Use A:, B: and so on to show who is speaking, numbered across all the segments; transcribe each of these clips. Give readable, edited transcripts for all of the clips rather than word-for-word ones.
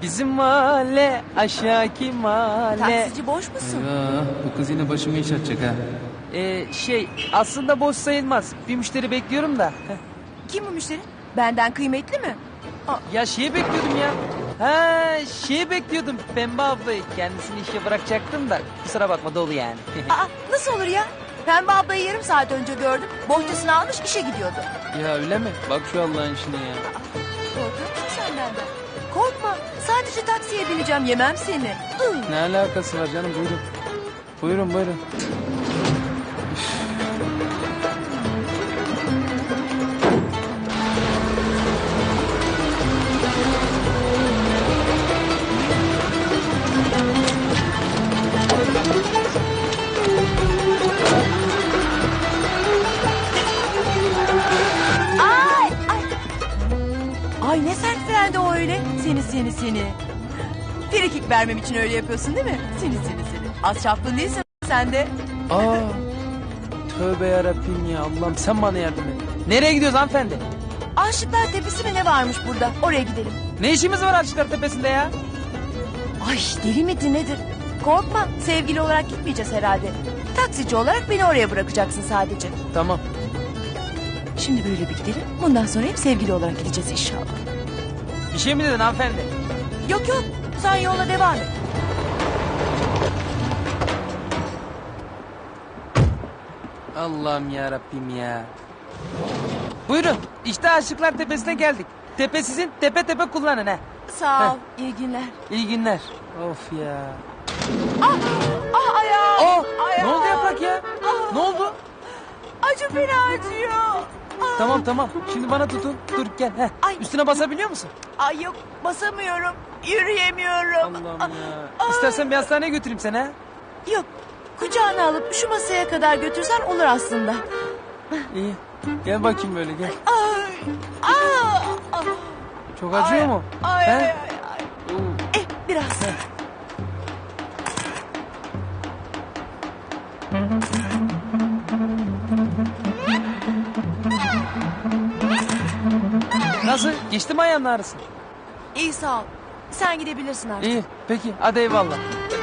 A: Bizim mahalle aşağıki mahalle.
B: Taksici boş musun?
A: Eyvah, bu kız yine başımı iş açacak ha. Aslında boş sayılmaz. Bir müşteri bekliyorum da.
B: Kim bu müşteri? Benden kıymetli mi?
A: Ya şeyi bekliyordum ya. Ha, şeyi bekliyordum. Pembe ablayı. Kendisini işe bırakacaktım da. Kusura bakma dolu yani.
B: Aa, nasıl olur ya? Pembe ablayı yarım saat önce gördüm. Bohçasını almış işe gidiyordu.
A: Ya öyle mi? Bak şu Allah'ın işine ya.
B: Korkuyor musun sen benden? Korkma. Sadece taksiye bineceğim. Yemem seni.
A: Ne alakası var canım, buyurun. Buyurun buyurun.
B: Ay ay. Ay ne sert frendi o öyle. Seni. Frikik vermem için öyle yapıyorsun değil mi? Seni. Az çapkın değilsin sen de.
A: Aa, tövbe yarabbim ya, Allah'ım sen bana yardım et. Nereye gidiyoruz hanımefendi?
B: Aşıklar Tepesi mi ne varmış burada? Oraya gidelim.
A: Ne işimiz var Aşıklar Tepesi'nde ya?
B: Ay deli midir nedir? Korkma sevgili olarak gitmeyeceğiz herhalde. Taksici olarak beni oraya bırakacaksın sadece.
A: Tamam.
B: Şimdi böyle bir gidelim. Bundan sonra hep sevgili olarak gideceğiz inşallah.
A: Bir şey mi dedin hanımefendi?
B: Yok sen yola devam et.
A: Allah'ım ya Rabbim ya. Buyurun, işte Aşıklar Tepesi'ne geldik. Tepe sizin, tepe tepe kullanın ha.
B: Sağ ol. İyi günler.
A: İyi günler. Of ya.
B: Ayağım.
A: Ne oldu Yaprak ya? Ne oldu?
B: Acı beni acıyor.
A: Tamam. Şimdi bana tutun. Dur gel. Heh.
B: Ay.
A: Üstüne basabiliyor musun?
B: Ay yok basamıyorum. Yürüyemiyorum.
A: Allah'ım ya. İstersen bir hastaneye götüreyim seni ha.
B: Yok kucağına alıp şu masaya kadar götürsen olur aslında.
A: İyi. Gel bakayım böyle gel.
B: Aa.
A: Çok acıyor mu?
B: Ay.
A: He? Oo.
B: Biraz.
A: Nasıl? Geçti mi ayağının ağrısı?
B: İyi sağ ol. Sen gidebilirsin artık.
A: İyi. Peki. Hadi eyvallah.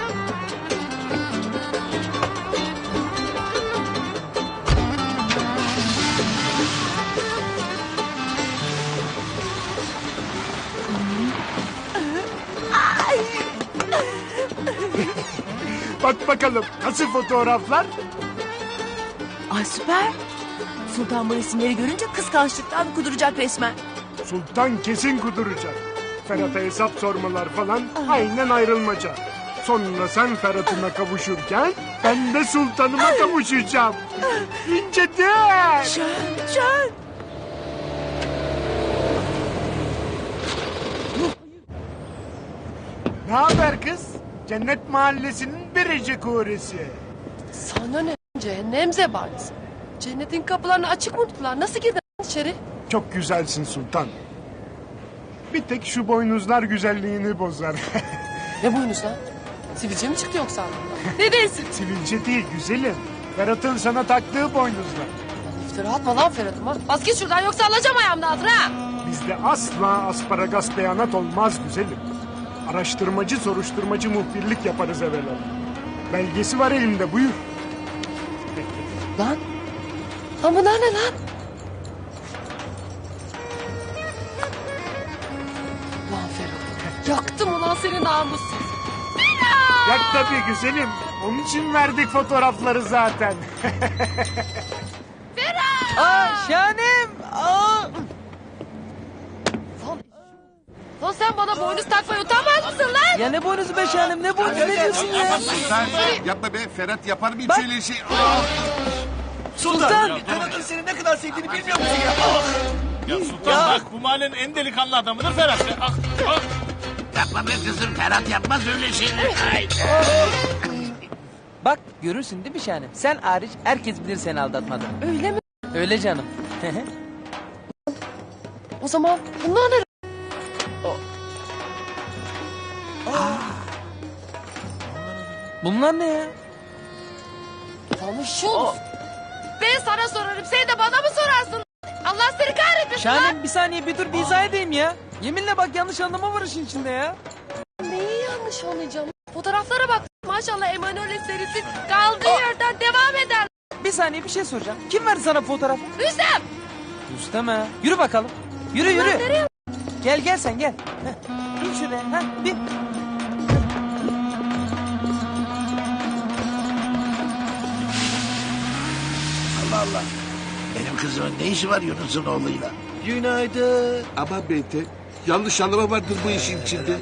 C: Bak bakalım nasıl fotoğraflar?
B: Ay süper. Sultan bu resimleri görünce kıskançlıktan kuduracak resmen.
C: Sultan kesin kuduracak. Ferhat'a hesap sormalar falan aynen ayrılmaca. Sonra sen Ferhat'ına kavuşurken ben de sultanıma kavuşacağım. İnce değil.
B: Şön.
C: Ne haber kız? Cennet Mahallesi'nin biricik uğresi.
D: Sana ne? Cehennem zebanisi. Cennetin kapılarını açık mı tuttular? Nasıl girdin içeri?
C: Çok güzelsin sultan. Bir tek şu boynuzlar güzelliğini bozar.
D: Ne boynuz lan? Sivilce mi çıktı yoksa? Ne değilsin?
C: Sivilce değil güzelim. Ferhat'ın sana taktığı boynuzlar.
D: İftira atma lan Ferhat'ıma. Bas git şuradan yoksa alacağım ayağımda altına. Ha!
C: Bizde asla asparagas beyanat olmaz güzelim. Araştırmacı soruşturmacı muhbirlik yaparız evvela. Belgesi var elimde buyur.
D: Lan. Lan bunlar ne lan? Lan Ferhat. Yaktım ulan seni namussuz.
C: Yak tabii güzelim. Onun için verdik fotoğrafları zaten.
A: Aa şahanem. Aa.
D: Lan sen bana boynuz takmayı utanmaz mısın lan?
A: Ya ne boynuzu be şahanem, ne boynuzu, ne diyorsun ya?
E: Sultan yapma be Ferhat yapar mı hiç
A: Bak.
E: öyle şey?
A: Sultan.
F: Ferhat'ın seni ne kadar sevdiğini bilmiyor musun ya?
G: Ya Sultan bak bu mahallenin en delikanlı adamıdır Ferhat. Ah, ah.
F: Yapma be kızım Ferhat yapmaz öyle şeyler. Ay.
A: Bak görürsün değil mi şahanem? Sen hariç herkes bilir seni aldatmadığını.
D: Öyle mi?
A: Öyle canım.
D: O zaman bunlar ne?
A: Bunlar ne ya?
D: Lan şu olsun. Ben sana sorarım sen de bana mı sorarsın? Allah seni kahretmesin lan.
A: Şahanem bir saniye bir dur bir izah edeyim ya. Yeminle bak yanlış anlama var işin içinde ya.
D: Neyi yanlış anlayacağım? Fotoğraflara bak. Maşallah Emanuele serisi kaldığı yerden devam eder.
A: Bir saniye bir şey soracağım. Kim verdi sana fotoğrafı?
D: Rüstem!
A: Rüstem ha. Yürü bakalım. Yürü yürü.
D: Nereye?
A: Gel sen gel. Heh. Bin şuraya. Heh, bin.
F: Allah Allah. Benim kızımın ne işi var Yunus'un oğluyla?
E: Günaydın. Ama Bete, yanlış anlama vardır bu işin içinde.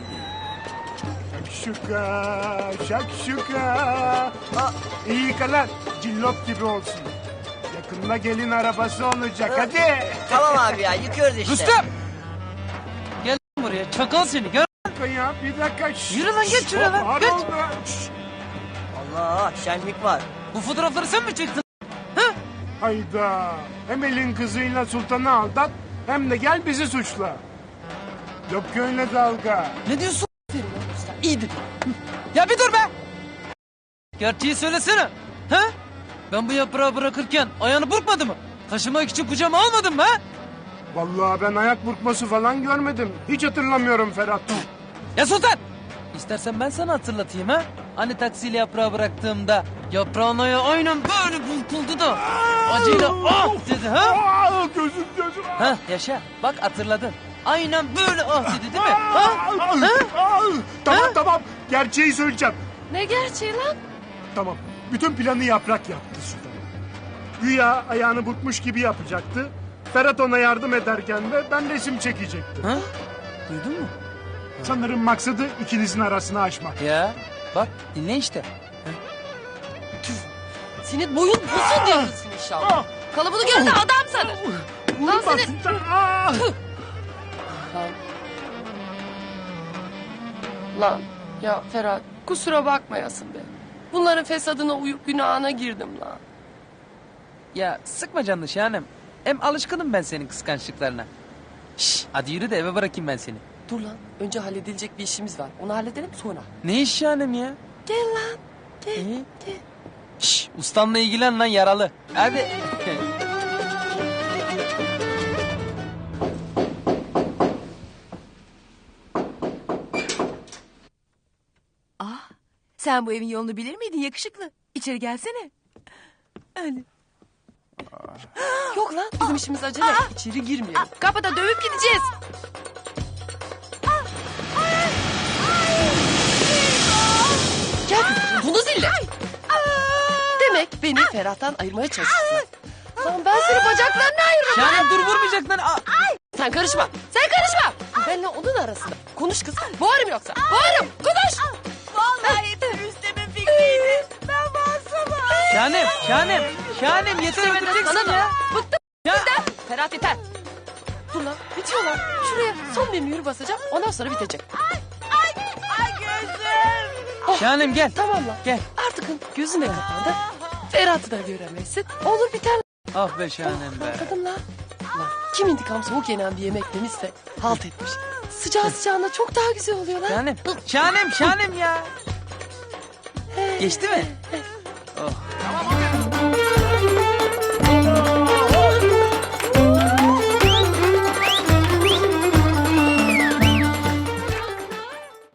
C: Şakşuka, şakşuka. İyi kalan, cillop gibi olsun. Yakında gelin arabası olacak, hadi.
H: Tamam abi ya yıkıyoruz işte.
A: Rüstem! Gel lan buraya. Çakal seni. Gör.
C: Ya bir dakika.
A: Yürü lan, geç şuraya lan,
C: Var
A: geç.
C: oldu.
H: Allah şenlik var.
A: Bu fotoğrafları sen mi çektin?
C: Hayda. Hem elin kızıyla sultanı aldat, hem de gel bizi suçla. Yok ki öyle dalga.
A: Ne diyorsun? İyi dedin. Ya bir dur be! Gerçeği söylesene. Ha? Ben bu yaprağı bırakırken ayağını burkmadı mı? Taşımak için kucağıma almadın mı ha?
C: Vallahi ben ayak burkması falan görmedim. Hiç hatırlamıyorum Ferhat.
A: Ya Sultan! İstersen ben sana hatırlatayım ha? Hani taksiyle yaprağı bıraktığımda yaprağın ayağı aynen böyle burkuldu da acıyla ah dedi ha?
C: Aa, gözüm.
A: Ha yaşa bak hatırladın. Aynen böyle ah dedi değil mi? Ha?
C: Tamam. Gerçeği söyleyeceğim.
D: Ne gerçeği lan?
C: Tamam. Bütün planı yaprak yaptı sultan. Güya ayağını burkmuş gibi yapacaktı. Ferhat ona yardım ederken de ben resim çekecektim.
A: Ha? Duydun mu?
C: Sanırım maksadı ikinizin arasını açmak.
A: Ya bak dinle işte.
D: Senin boyun uzun diyorsun inşallah. Kalıbını gör de adam sanır. Lan
C: Vurma
D: seni...
C: sultan. Aa!
D: Lan ya Ferhat kusura bakmayasın be. Bunların fesadına uyup günahına girdim lan.
A: Ya sıkma canını şahanem. Hem alışkınım ben senin kıskançlıklarına. Şş, hadi yürü de eve bırakayım ben seni.
D: Dur lan önce halledilecek bir işimiz var. Onu halledelim sonra.
A: Ne iş şahanem ya?
D: Gel lan. Gel.
A: İyi.
D: Gel.
A: Şş, ustanla ilgilen lan yaralı. Hadi.
B: Sen bu evin yolunu bilir miydin yakışıklı? İçeri gelsene. Öyle.
D: Yok lan bizim işimiz acele. İçeri girmeyelim. Kapıda dövüp gideceğiz. Gel kızım bunu zille. Demek beni Ferhat'tan ayırmaya çalışıyorsun. Lan ben seni bacaklarına ayırırım.
A: Şahanem dur vurmayacak lan. Aa,
D: Sen karışma. Sen karışma. Benle onun arasında. Konuş kız. Boğarım yoksa. Boğarım. Konuş.
B: Vallahi Rüstem'in fikriydi. Ben bağırsama.
A: Şahanem yeter öldüreceksin
D: Sana da.
A: ya.
D: Bıktım.
A: Ya.
D: Ferhat yeter. Dur lan bitiyor lan. Şuraya son bir mühür basacağım. Ondan sonra bitecek.
B: Ay gözüm.
A: Şahanem gel.
D: Tamam lan.
A: Gel.
D: Artık gözüne kapandı. Ferhat'ı da göremezsin. Olur biter.
A: Ah be şahanem be.
D: Anladın lan. Lan kim intikam soğuk yenen bir yemek demişse halt etmiş. Sıcağı sıcağına çok daha güzel oluyor lan.
A: Şahanem ya. Geçti mi? Oh.